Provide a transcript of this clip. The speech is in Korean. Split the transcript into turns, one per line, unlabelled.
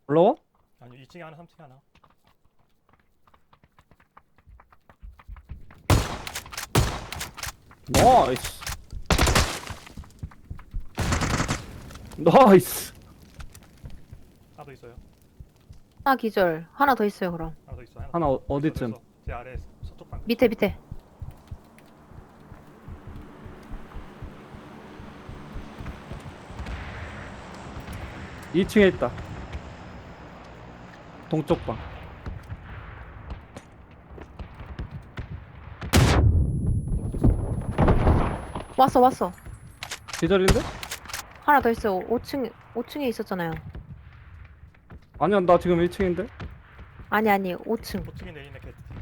올라와?
아니 2층에 하나 3층에 하나.
나이스. 나이스.
하나 더 있어요.
하나 기절. 하나 더 있어요, 그럼.
하나 더 있어.
하나
더
어디쯤?
있어. 제 아래 서쪽 방.
밑에.
2층에 있다. 동쪽 방.
왔어.
기절인데?
하나 더 있어요. 5층에 있었잖아요.
아니야, 나 지금 1층인데?
아니, 5층.
5층에 내리네 개.